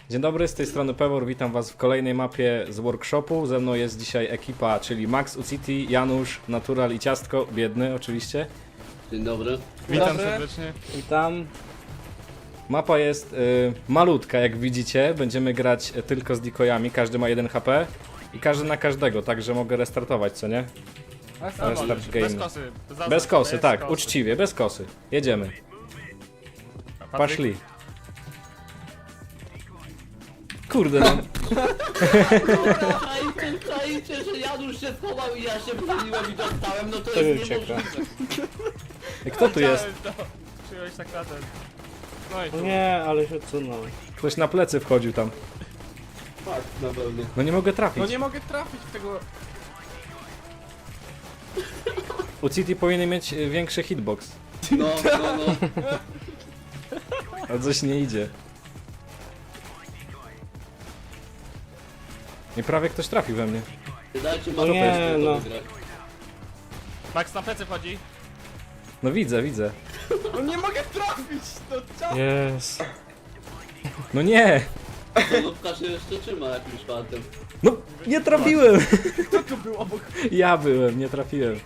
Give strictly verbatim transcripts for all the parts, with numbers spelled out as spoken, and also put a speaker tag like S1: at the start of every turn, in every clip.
S1: Dzień dobry, z tej strony Pewor, witam was w kolejnej mapie z workshopu. Ze mną jest dzisiaj ekipa, czyli Max, Uciti, Janusz, Natural i Ciastko, biedny oczywiście.
S2: Dzień dobry.
S3: Witam
S4: Dobry.
S3: serdecznie.
S4: Witam.
S1: Mapa jest y, malutka, jak widzicie, będziemy grać y, tylko z decoyami, każdy ma jeden H P i każdy na każdego, także mogę restartować, co nie? Restart game.
S3: Bez kosy. Zaznacz,
S1: Bez kosy,
S3: bez
S1: tak,
S3: kosy.
S1: uczciwie, bez kosy. Jedziemy.
S3: Patryk?
S1: Poszli. Kurde, no.
S2: Czajcie, czajcie, że Janusz się schował i ja się broniłem i dostałem, no to,
S4: To
S2: jest
S4: ucieka.
S2: niemożliwe.
S1: Kto tu jest?
S3: Chciałem to. Przyjąłeś tak na ten. No i tu.
S4: Nie, ale się odsunął.
S1: Ktoś na plecy wchodził tam.
S2: Tak, na pewno.
S1: No nie mogę trafić.
S3: No nie mogę trafić w tego.
S1: Uciti powinien mieć y, większy hitbox,
S2: No, no, no.
S1: ale coś nie idzie. I prawie ktoś trafił we mnie.
S2: Dajcie
S4: No nie, no.
S3: Max na plecy wchodzi.
S1: No widzę, widzę.
S3: No nie mogę trafić! No czas.
S4: Jest.
S1: No nie!
S2: Solówka się jeszcze trzyma jakimś fantem.
S1: No nie trafiłem!
S3: Kto tu był obok?
S1: Ja byłem, nie trafiłem.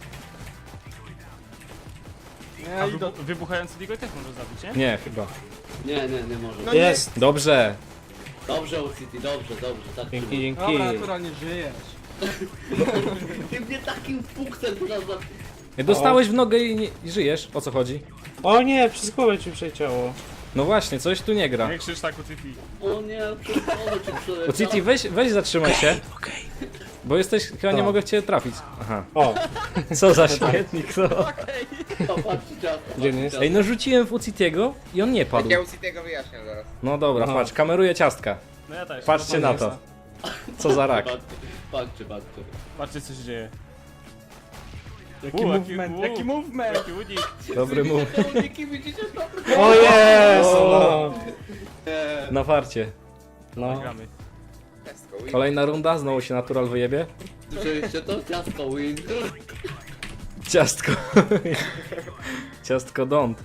S3: A wybu wybuchający Digo też może zabić, nie?
S1: Nie, chyba.
S2: Nie, nie, nie może.
S3: No
S4: Jest.
S1: Dobrze.
S2: Dobrze, City, dobrze, dobrze, tak
S4: Dzięki,
S2: trzymaj.
S4: dzięki.
S3: Dobra, naturalnie żyjesz.
S2: Ty mnie takim fuksem teraz za...
S1: Dostałeś w nogę i, nie, i żyjesz. O co chodzi?
S4: O nie, przez głowę ci przeciało.
S1: No właśnie, coś tu nie gra.
S3: Nie krzycz tak u City.
S2: O nie, przeszkodę ci przeleciał.
S1: Uciti, weź, weź zatrzymaj się. Bo jesteś, chyba nie
S4: Tak.
S1: mogę w ciebie trafić. Aha.
S4: O,
S1: Co za śmietnik, no.
S2: O, patrzcie ciasto,
S4: Gdzie nie
S2: patrzcie
S4: jest?
S1: Ej, no rzuciłem w Ucitiego i on nie padł.
S5: Ja u tego wyjaśnię zaraz.
S1: No dobra,
S4: Aha.
S1: patrz, kameruję ciastka.
S3: No ja też.
S1: Patrzcie na to. Co za rak.
S2: Patrzcie, patrzcie, patrzcie.
S3: Patrzcie co się dzieje.
S6: Jaki
S3: U,
S6: movement,
S3: u,
S6: jaki movement!
S3: Jaki unik.
S1: Dobry move.
S2: Widzicie te uniki, widzicie to?
S4: o jest!
S1: O.
S4: No.
S2: Nie.
S1: Na farcie.
S4: No.
S3: Gramy.
S5: Let's go.
S1: Kolejna runda, znowu się natural wyjebie.
S2: Słyszeliście to? Ciastko win.
S1: Ciastko. Ciastko don't.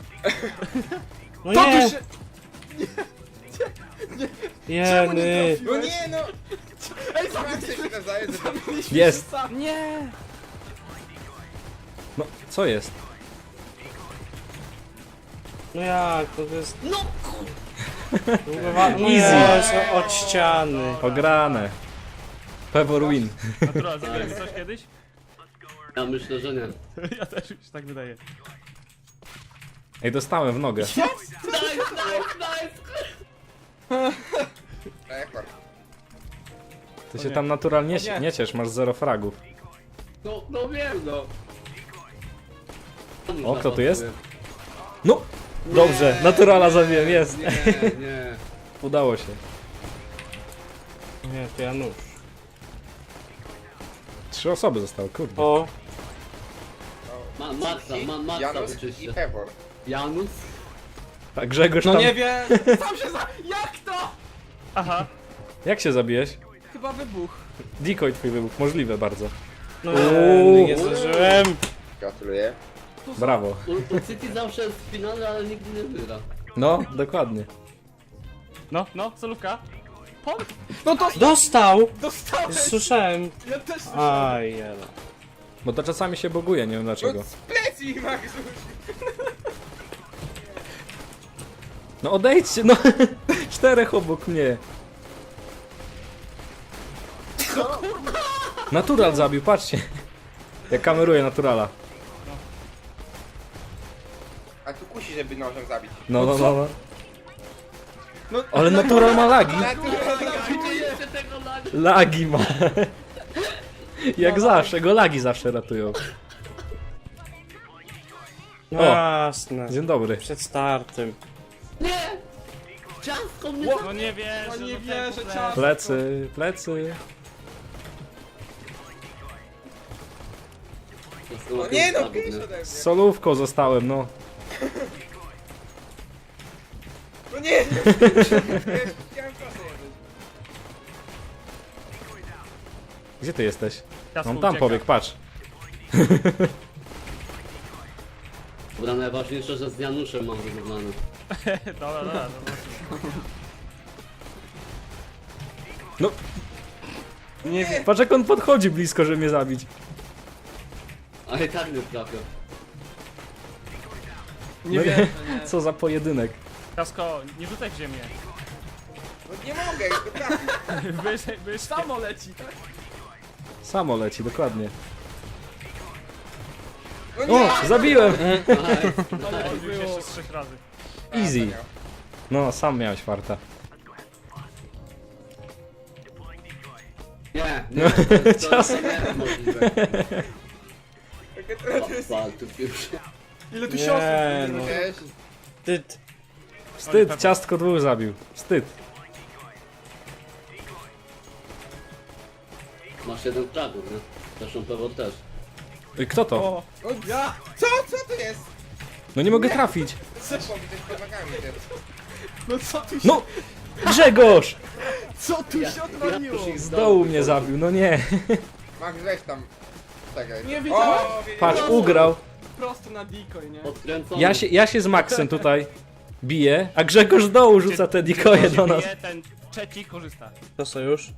S4: No
S6: To
S4: nie!
S6: tu się...
S4: Jeny!
S5: No nie no!
S6: Ej,
S5: Mam się nawzajem, że
S1: Jest.
S6: Nie!
S1: No, co jest?
S4: No jak, to jest...
S2: No
S4: No jest, od ściany.
S1: Ograne. Pewor win.
S3: Natural, zabiłeś coś kiedyś?
S2: Ja myślę, że nie.
S3: Ja też mi się tak wydaje.
S1: Ej, dostałem w nogę.
S2: Nice, nice, nice!
S5: rekord.
S1: Ty się tam naturalnie nie,
S6: nie.
S1: nie ciesz, masz zero fragów.
S2: No, no wiem, no.
S1: O, kto tu jest? No! Dobrze, naturala zabiłem, jest.
S2: Nie, nie.
S1: Udało się.
S4: Nie, to Janusz.
S1: Trzy osoby zostały, kurde.
S4: O,
S2: Ma, Maxa, ma, Maxa
S5: Janus
S2: wyczyście.
S5: i Pebor.
S2: Janus?
S1: A Grzegorz
S6: No
S1: tam...
S6: nie wiem! Sam się za... Jak to?
S3: Aha.
S1: Jak się zabiłeś?
S6: Chyba wybuch.
S1: Decoy twój wybuch, możliwe bardzo.
S4: no
S1: Uuu.
S4: nie zdążyłem.
S5: Gratuluję.
S1: Brawo.
S2: U, u City zawsze jest w finale, ale nigdy nie wygra.
S1: No, dokładnie.
S3: No, no, solówka. Pol.
S6: No to
S4: Dostał!
S6: dostałeś!
S4: Słyszałem.
S6: Ja też słyszałem.
S4: Aj, jela.
S1: Bo to czasami się buguje, nie wiem dlaczego.
S5: No z plecy Max!
S1: No odejdźcie, no! Czterech obok mnie. Natural zabił, patrzcie. Jak kameruję naturala.
S5: A tu kusi, żeby nożem zabić.
S1: No, no, no, no.
S6: No,
S1: Ale natural ma lagi.
S2: Widzieliście tego laga?
S1: Lagi ma. Jak zawsze, go lagi zawsze ratują.
S4: No
S1: O.
S4: jasne.
S1: Dzień dobry.
S4: Przed startem.
S2: Nie! Ciastko mnie
S3: No nie wierzę,
S6: No nie
S3: do
S6: wierzę,
S3: tego
S6: ciasto.
S1: Plecy, plecy.
S5: No nie no, pisz ode mnie.
S1: Z solówką zostałem, no.
S5: No nie! no. Chciałem kosę jedbyć.
S1: Gdzie ty jesteś?
S3: Ciastko
S1: On tam
S3: ucieka.
S1: pobiegł, patrz.
S2: Dobra, najważniejsze, że z Januszem mam wyrównane.
S3: Dobra, dobra, dobra.
S1: No,
S4: Nie wiem.
S1: patrz jak on podchodzi blisko, żeby mnie zabić.
S2: A i tak nie trafię.
S6: Nie
S1: No
S6: wiem, nie.
S1: Co za pojedynek.
S3: Kasko, nie rzucaj w ziemię.
S5: No nie mogę, już to trafię.
S3: Byłeś, byłeś
S6: Samo leci, tak?
S1: Samo leci, dokładnie.
S5: No nie!
S1: O, zabiłem!
S3: Odbiłeś jeszcze z trzech razy.
S1: Easy. No, sam miałeś farta.
S2: Nie, nie, to, to, to nie jest możliwe.
S5: Takie to jest...
S2: Pal, tu już.
S6: Ile tu
S4: Nie,
S6: siostry?
S4: no.
S5: Wiesz?
S4: Wstyd.
S1: Wstyd, ciastko dwóch zabił. Wstyd.
S2: Masz jeden fragów, nie? Zresztą pewno też.
S1: Ej, kto to?
S6: O,
S5: O, ja! Co? Co to jest?
S1: No nie mogę trafić.
S5: Co mi też pomagami też.
S6: no co tu się,
S1: No! Grzegorz!
S6: co tu
S2: Ja,
S6: się
S2: ja
S6: odwaliło?
S2: już ich
S1: Z dołu mnie zabił, no nie.
S5: Max, weź tam. Czekaj.
S6: Nie widziałem.
S5: O, wiedziałem.
S1: Patrz, ugrał.
S6: Prosto na decoy, nie?
S2: Odkręcony.
S1: Ja się, ja się z Maxem tutaj biję, a Grzegorz z dołu rzuca te dikoje do nas.
S3: Bije, ten trzeci korzysta.
S4: To sojusz?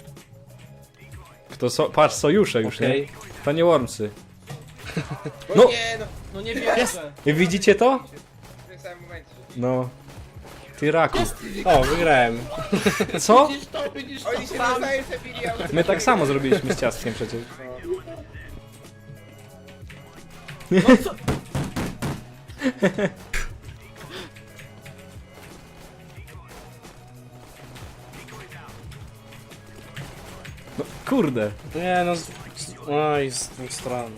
S1: Kto so, patrz, sojusze już,
S4: Okej.
S1: nie? To nie Wormsy.
S5: O
S1: No.
S5: nie, no.
S6: No nie wierzę.
S1: Widzicie to?
S5: W tym samym momencie.
S1: No. Ty raku.
S4: O, wygrałem.
S1: Co?
S2: Widzisz to, widzisz to.
S5: Oni się nawzajem zabili, a
S1: My tak samo zrobiliśmy z ciastkiem przecież. No kurde.
S4: Nie no, z... z- oj, z dwóch stron.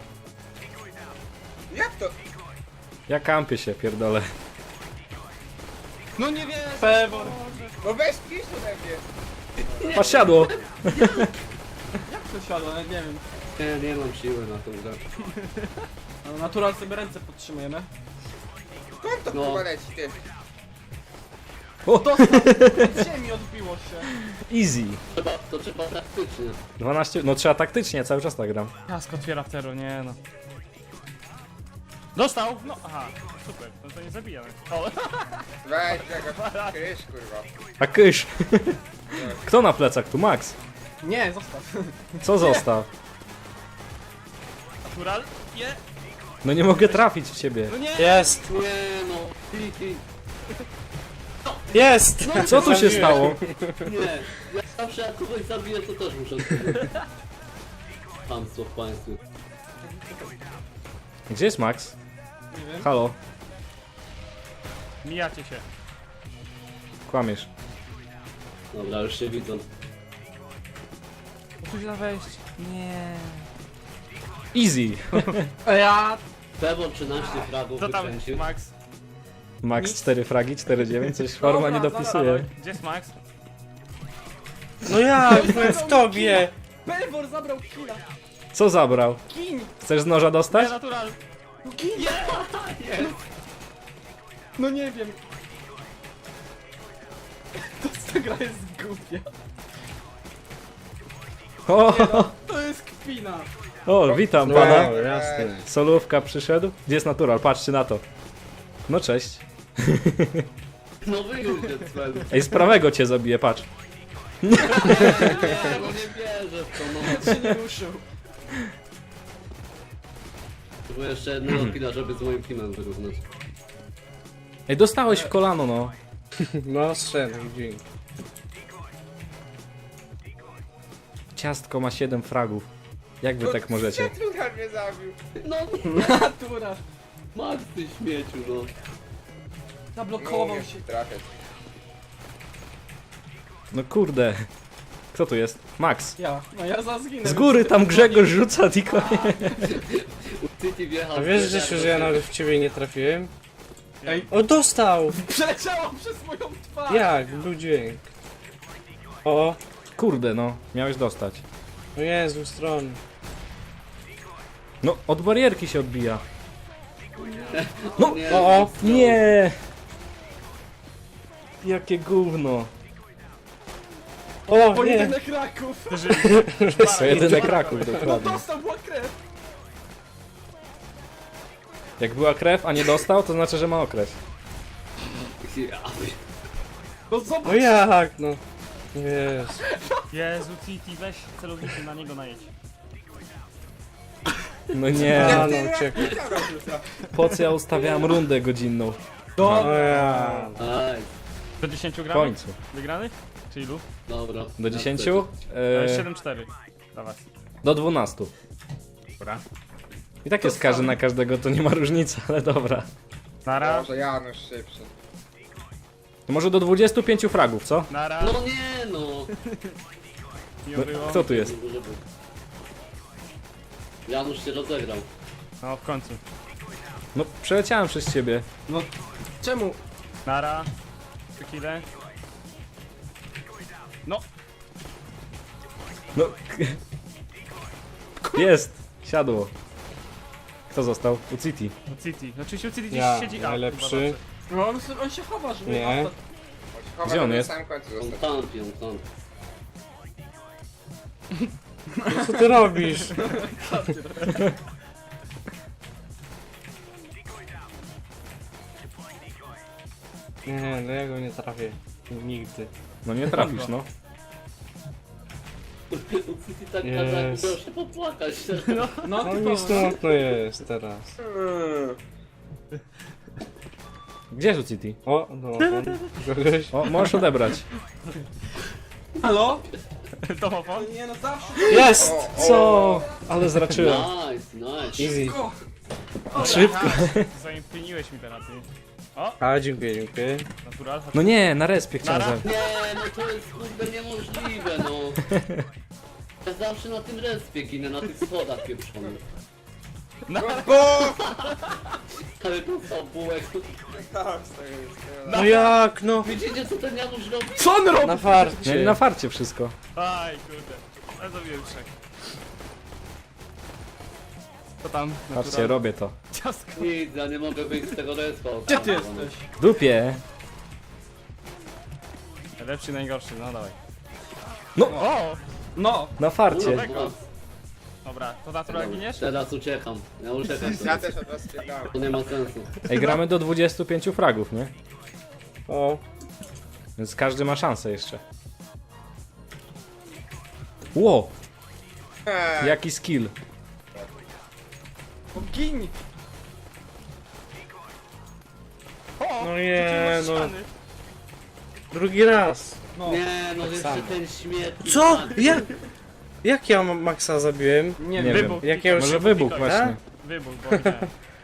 S5: Jak to?
S1: Ja kampię się, pierdolę.
S6: No nie wierzę. Pewor.
S5: No weź pisz ode mnie.
S1: Patrz, siadło.
S6: Jak to siadło? Nawet nie wiem.
S2: Nie, nie mam siły na tą grę.
S6: No, natural sobie ręce podtrzymujemy.
S5: Skąd to
S2: No.
S5: chyba leci, ty?
S1: O,
S6: Od ziemi odbiło się.
S1: easy.
S2: Trzeba, to trzeba praktycznie.
S1: dwanaście, no trzeba taktycznie, cały czas tak gram.
S3: Kasko otwiera tero, nie no. Dostał! No, aha, super, no to nie zabijamy. O,
S5: Weź, jaka krysz, kurwa.
S1: A kysz. Kto na plecach tu? Max.
S6: Nie, zostaw.
S1: Co został?
S3: natural, nie,
S1: No nie mogę trafić w ciebie.
S3: no nie!
S4: Jest!
S2: Nie no, hi, hi.
S4: Jest!
S1: Co tu się stało?
S2: Nie, ja zawsze jak kogoś zabiję, to też muszę odpowiedzieć. Hamstwo w państwie.
S1: Gdzie jest Max?
S6: Nie wiem.
S1: Halo,
S3: Mijacie się.
S1: kłamiesz.
S2: Dobra, już się widzą.
S3: Musisz na wejść. Nie.
S1: Easy.
S6: A ja...
S2: Pewor trzynaście fragów
S3: Co tam,
S2: wykręcił.
S3: Max?
S1: Max cztery fragi, cztery dziewięć, coś forma nie dopisuje.
S3: Gdzie jest Max?
S4: No jak? Byłem w tobie!
S6: Pewor zabrał killa.
S1: Co zabrał?
S6: Gin.
S1: Chcesz z noża
S3: Nie,
S1: dostać?
S3: natural!
S6: No gin. No nie wiem. To ta gra jest głupia.
S1: O,
S6: To jest kpina.
S1: o, witam pana.
S4: No, jasne.
S1: Solówka przyszedł. Gdzie jest natural? Patrzcie na to. No cześć.
S2: No wyjdzie cel.
S1: Ej, z prawego cię zabiję, patrz.
S2: Nie, no nie wierzę w to, no.
S6: się nie ruszył.
S2: Było jeszcze jednego killa, żeby z moim teamem wyrównać.
S1: Ej, dostałeś w kolano, no.
S4: No, strzelaj, dzięki.
S1: Ciastko ma siedem fragów. Jak wy tak możecie?
S5: Natural mnie zabił.
S2: No,
S6: Natura.
S2: Max, ty śmieciu, no.
S5: Nie
S6: Zablokował
S5: umiem
S6: się.
S5: się trafiać.
S1: No kurde. Kto tu jest? Max.
S6: Ja. No ja za zginę.
S1: Z góry tam Grzegorz rzuca dikoje.
S2: City wjechał.
S4: A wiesz, Grzesiu, że ja nawet w ciebie nie trafiłem?
S6: Ej.
S4: O, dostał!
S6: Przeleciało przez moją twarz.
S4: Jak? Był dźwięk. O,
S1: Kurde, no. Miałeś dostać.
S4: no jest, z dwóch stron.
S1: No, od barierki się odbija.
S2: No, nie,
S4: O, o.
S1: Nie! Jakie gówno.
S4: O, nie!
S6: Pojedynek raków.
S1: To jedyne Kraków,
S6: No
S1: dokładnie.
S6: dostał, była krew.
S1: Jak była krew, a nie dostał, to znaczy, że ma okres.
S2: Ja,
S6: No zobacz.
S4: No jak, no? Jest.
S3: Jezu, City, weź celownikiem na niego najedź.
S1: No nie,
S4: A,
S5: Ty,
S4: no uciekł.
S5: Dobra, wrzuca.
S1: po co ja ustawiałem rundę godzinną?
S4: No ja.
S2: Aj,
S3: Do dziesięciu
S1: W
S3: gramy?
S1: końcu.
S3: Wygranych? Czy ilu?
S2: dobra.
S1: Do dziesięciu?
S3: E,
S1: E,
S3: siedem cztery. Dawaj.
S1: do dwunastu.
S3: Dobra.
S1: I tak jest każdy na każdego, to nie ma różnicy, ale dobra.
S3: Nara.
S5: Może Janusz szybszy.
S1: To może do dwudziestu pięciu fragów, co?
S3: Nara.
S2: No nie no.
S3: Miło było.
S1: Kto tu jest?
S2: Janusz się rozegrał.
S3: No w końcu.
S1: No przeleciałem przez ciebie.
S6: No, czemu?
S3: Nara. Trzy kile. No.
S1: No. Jest! Siadło. Kto został? U City.
S3: No City. Oczywiście u City gdzieś
S4: Ja,
S3: siedzi. A,
S4: najlepszy.
S6: No on, s- on się chowa, żeby...
S4: Nie.
S5: Chowa
S1: Gdzie on
S5: na
S1: jest?
S5: samym końcu
S2: On
S5: został.
S2: tampi, on tampi.
S4: Co ty robisz? Nie, no ja go nie trafię. Nigdy.
S1: No nie trafisz, no.
S2: U City tak
S4: Jest.
S2: kazał, miał się popłakać.
S6: No,
S4: No
S6: typowo,
S4: mi
S6: no.
S4: smutno jest teraz.
S5: Hmm.
S1: Gdzie jest u City?
S4: O, no, kogoś.
S1: O, możesz odebrać.
S6: Halo?
S3: Domofon?
S6: Nie no, zawsze...
S1: Jest!
S5: O, o.
S1: Co? Ale zraczyłem.
S2: Nice, nice.
S4: Easy.
S1: Szybko.
S3: Zaimpieniłeś mi teraz, ty.
S4: A, dziękuję, dziękuję.
S3: Natural.
S1: No nie, na respie chciałem
S3: Nara.
S1: zabić.
S2: Nie, no to jest kurde niemożliwe, no. Ja zawsze na tym respie ginę, na tych schodach pieprzonych.
S5: Bo!
S2: Ale to co, bułek?
S5: Tak, z tego jest.
S4: No jak, no?
S2: Widzicie co ten Janusz robi?
S6: Co on robi?
S4: Na
S1: Nie,
S4: farcie.
S1: na farcie wszystko.
S3: Aj, kurde. Ale zabiłem trzech. Co tam?
S1: Patrzcie, robię to.
S3: Ciastko.
S2: Nic, ja nie mogę wyjść z tego respa.
S6: Gdzie ty jesteś?
S1: W dupie.
S3: Lepszy, najgorszy, no dawaj.
S1: No.
S3: O!
S6: No.
S1: Na farcie.
S2: Kurwa,
S3: Dobra, to natural giniesz?
S2: teraz uciekam. Ja uciekam.
S5: Ja też od was spierdałem.
S2: To nie ma sensu.
S1: Ej, gramy do dwudziestu pięciu fragów, nie?
S4: O,
S1: Więc każdy ma szansę jeszcze. Ło!
S5: Eee,
S1: Jaki skill.
S6: Gin.
S3: O!
S4: no nie, no.
S3: Ściany.
S4: Drugi raz.
S6: No.
S2: Nie, no jeszcze
S4: samo.
S2: ten śmietnik.
S4: Co?
S2: tak.
S4: Jak? Jak ja Maxa zabiłem?
S6: Nie,
S1: Nie
S6: wiem.
S1: wiem.
S3: Wybuch.
S4: Jak ja już...
S1: Może wybuch
S3: Tak?
S1: właśnie.
S3: Wybuch, bo widziałem.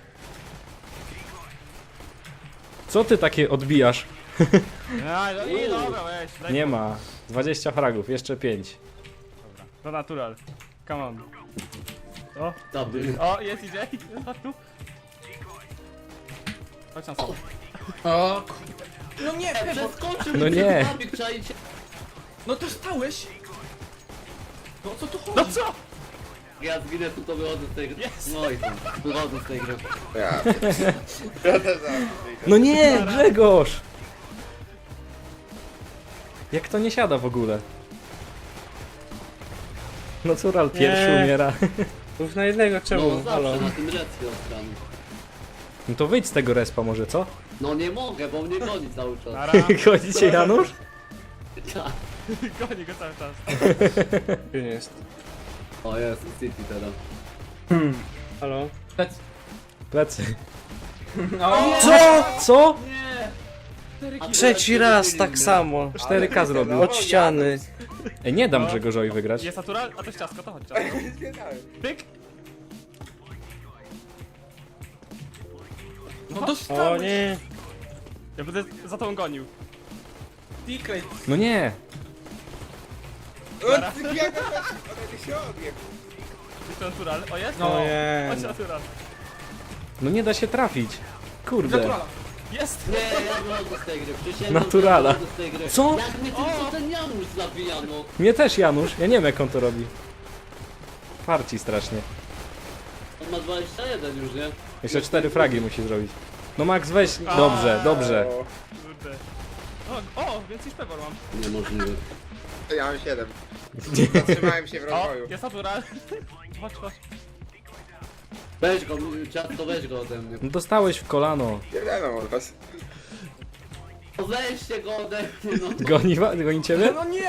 S1: Co ty takie odbijasz?
S3: Aj, no i dobra, weź. daj
S1: Nie
S3: mi.
S1: ma. dwadzieścia fragów, jeszcze pięć.
S3: Dobra, to natural. Come on. O,
S2: Dobry.
S3: o, jest I J. Chodź tu. Chodź na sobie.
S6: O, kurde. No nie, Pebo.
S2: Przeskoczył
S1: No
S2: mi
S1: nie.
S2: ten zabik, czajcie.
S6: No to stałeś. No o co tu chodzi?
S3: No co?
S2: Ja zginę, tu to wychodzę z tej gry.
S3: Jest.
S2: No i tam, wychodzę z tej gry.
S5: ja. Ja też zaraz.
S1: No nie, Grzegorz! Jak to nie siada w ogóle? Natural pierwszy
S4: Nie.
S1: umiera.
S4: Mów na jednego,
S2: No
S4: czemu? Halo.
S2: zawsze na tym respie odstrany.
S1: No to wyjdź z tego respa może, co?
S2: No nie mogę, bo mnie goni cały czas.
S3: Nara.
S1: Chodzicie, Janusz?
S2: Tak.
S3: Goni go cały czas.
S4: Gdzie jest?
S2: O jest, City teraz.
S4: Halo?
S6: Lec.
S1: Plecy.
S6: No.
S1: Co? Co?
S2: A
S4: Trzeci raz tak samo.
S1: cztery K zrobił.
S4: Od ściany.
S1: Ej, nie dam Grzegorzowi wygrać.
S3: Jest natural? A to jest ciastko, to chodź ciastko.
S5: Nie zgadałem.
S3: Pyk.
S6: No
S4: O
S6: dostałeś.
S4: nie.
S3: Ja będę za tą gonił.
S6: Secret.
S1: No nie.
S5: O, ty biegasz, one się odjeb.
S3: Jest to natural. O, jest?
S6: No.
S4: Nie.
S3: Chodź natural.
S1: No nie da się trafić. Kurde.
S6: Naturala.
S3: Jest!
S2: Nie, ja wychodzę z tej gry. Przysięgam,
S1: Naturala.
S2: że ja wychodzę z tej gry.
S1: Co?
S2: Jak mnie tylko ten Janusz zabija, no.
S1: Mnie też Janusz. Ja nie wiem jak on to robi. Farci strasznie.
S2: On ma dwadzieścia jeden już, nie?
S1: Jeszcze cztery fragi musi zrobić. No Max weź. Dobrze, dobrze.
S5: O,
S3: Kurde. O, o, więcej szpewor mam.
S2: Niemożliwe.
S5: to ja mam siedem. Zatrzymałem się w
S3: O,
S5: rozwoju.
S3: jest natural. Chodź, chodź.
S2: Weź go, ciasto weź go ode mnie.
S1: No dostałeś w kolano.
S5: Pierdolę od was.
S2: Weźcie go ode mnie, no.
S1: Goni, wa- goni ciebie?
S6: No nie!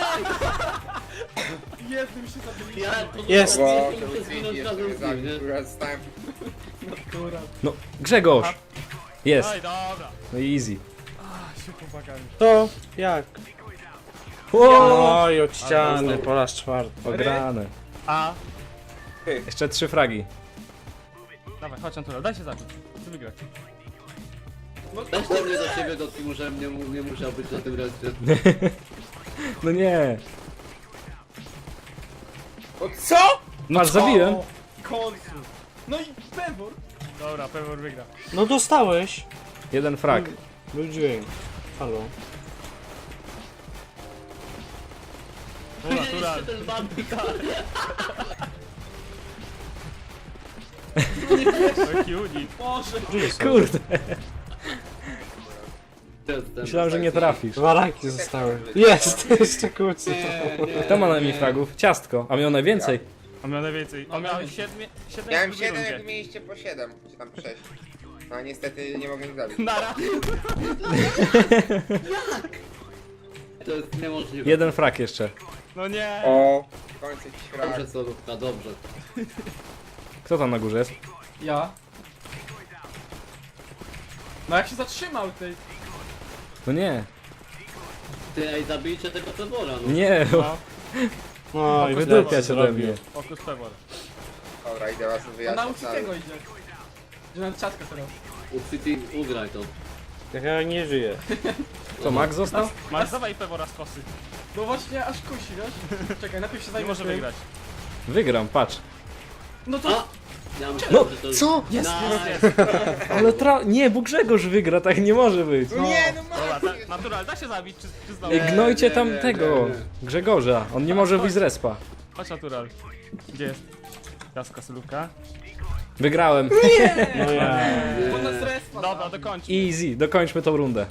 S6: Jednym się zabiliśmy.
S2: Ja
S4: Jest.
S2: Bo,
S5: to
S2: muszę zginąć
S5: Luigi
S2: razem
S5: jeszcze
S2: z
S5: mnie
S2: nim, nie?
S5: zabił, kurwa, stałem.
S1: No, Grzegorz! Jest.
S3: Oj, dobra.
S1: No i easy.
S3: A, się pomagałem.
S4: To jak?
S1: Wow!
S4: Oj, od ściany po raz czwarty.
S1: Ograne.
S3: A,
S1: Jeszcze trzy fragi.
S3: dawaj, chodź Antonio, daj się zabić. Chcę wygrać.
S2: Weźcie mnie do siebie do teamu, żebym nie, mu- nie musiał być na tym reszcie.
S1: No nie.
S5: O co?
S1: Masz, zabiłem.
S6: O, w końcu. No i Pewor.
S3: Dobra, Pewor wygra.
S4: No dostałeś.
S1: Jeden frag.
S4: Był dźwięk. Halo.
S2: Widzieliście ten bandit?
S3: Taki unit.
S6: Boże.
S1: Kurde.
S2: Jestem.
S1: Myślałem, że nie trafisz.
S4: Dwa raki zostały. Jest, jeszcze kucy.
S2: Nie, nie.
S1: Kto ma najmniej fragów? Ciastko. A miał najwięcej.
S3: On miał najwięcej. On miał siedmiu, siedem
S5: Miałem
S3: w drugiej
S5: siedem, jak
S3: rundzie.
S5: mieliście po siedem, czy tam sześć. No niestety nie mogę ich zabić.
S3: Nara.
S2: To jest niemożliwe.
S1: Jeden frag jeszcze.
S3: No nie.
S5: O, w końcu jakiś frag.
S2: Dobrze, solówka, dobrze.
S1: Kto tam na górze jest?
S6: Ja. No jak się zatrzymał tej.
S1: No nie.
S2: Ty, ej, zabijcie tego Pewora, no.
S1: Nie.
S3: No,
S4: No i
S1: Wydupiać
S4: Pewor
S1: ode mnie.
S3: fokus Pewor.
S5: Dobra, idę was
S6: On
S5: wyjaśnić.
S6: nauczy tego idzie. Że na ciatka teraz.
S2: U City ugraj to.
S4: Ja nie żyję.
S1: Co, Max został?
S3: Masz, dawaj Pewora z kosy.
S6: No właśnie, aż kusi, wiesz? Czekaj, najpierw się
S3: Nie
S6: zajmę
S3: może
S6: tym.
S3: wygrać.
S1: Wygram, patrz.
S6: No to...
S2: A! Ja myślałem,
S1: No,
S2: że to...
S1: co?
S2: Jest,
S3: Nice.
S1: Ale tra... Nie, bo Grzegorz wygra, tak nie może być.
S5: No nie, no
S3: Dobra,
S5: Max!
S3: ta, natural, da się zabić, czy, czy znowu?
S1: Ej, gnojcie
S2: nie,
S1: tam
S2: nie,
S1: tego,
S2: nie, nie.
S1: Grzegorza. On nie może wyjść z respa.
S3: Chodź natural. Gdzie jest? Jaska solówka.
S1: Wygrałem.
S4: No ja.
S6: Bo nas respa
S3: Dobra,
S6: zabił.
S3: dokończmy.
S1: Easy, dokończmy tą rundę.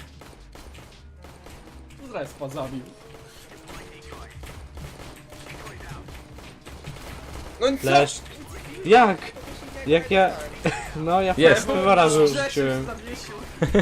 S6: Z respa zabił.
S5: No co?
S4: Lecz. Jak? Jak ja... No ja
S1: Jest.
S4: Pewora
S6: Grzesiu
S4: rzuciłem.
S6: zawiesił.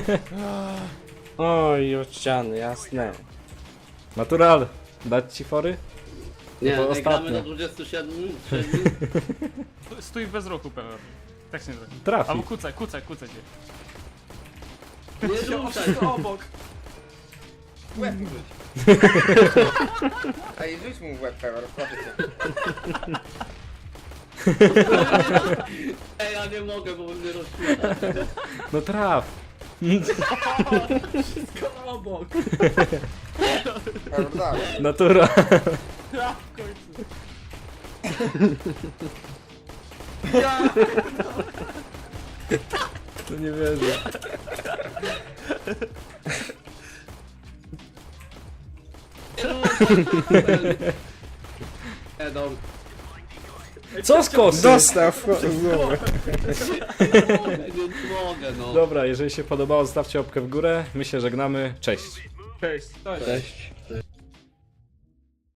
S4: Oj, od ściany, jasne.
S1: Natural, dać ci fory?
S2: Nie,
S1: To
S2: nie
S1: ostatnie.
S2: gramy do dwudziestu siedmiu. siedmiu.
S3: Stój bez ruchu Pewor. Tak się nie zrobi.
S1: Trafi.
S3: Albo kucaj, kucaj, kucaj się.
S2: Nie
S6: Się
S2: ruszaj.
S6: wszystko obok.
S5: Łeb mu rzuć. Ej, rzuć mu w łeb, Pewor, proszę cię.
S2: Ej, ja nie mogę, bo mnie rozśmiesza.
S1: No traf.
S6: Wszystko obok.
S5: Pewor, dawaj.
S1: Natura.
S6: Ja w końcu.
S1: To nie wierzę.
S2: Nie, dobra.
S1: Co z kosy?
S4: Dostał w głowę.
S2: Nie mogę, no.
S1: Dobra, jeżeli się podobało, zostawcie łapkę w górę. My się żegnamy. Cześć.
S3: Cześć.
S6: Cześć.
S4: Cześć.